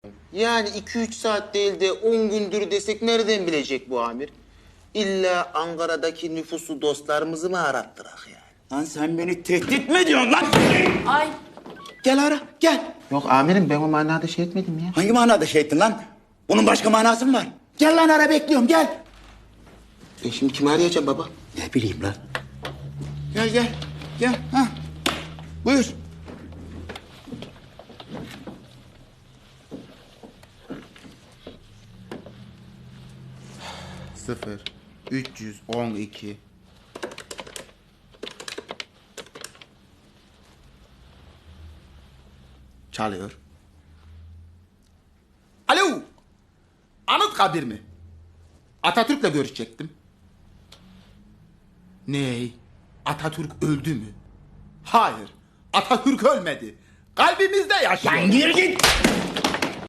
Yani 2-3 saat değil de 10 gündür desek nereden bilecek bu amir? İlla Ankara'daki nüfusu dostlarımızı mı arattırak yani? Lan sen beni tehdit mi ediyorsun lan? Ay Gel ara, gel. Yok amirim ben o manada şey etmedim ya. Hangi manada şey ettin lan? Bunun başka manası mı var? Gel lan ara, bekliyorum, gel. Ben şimdi kimi arayacağım baba? Ne bileyim lan. Gel, gel, gel. Ha. Buyur. Sıfır, 312. Çalıyor. Alo. Anıtkabir mi? Atatürk'le görüşecektim. Ney? Atatürk öldü mü? Hayır. Atatürk ölmedi. Kalbimizde yaşıyor. Lan gir git.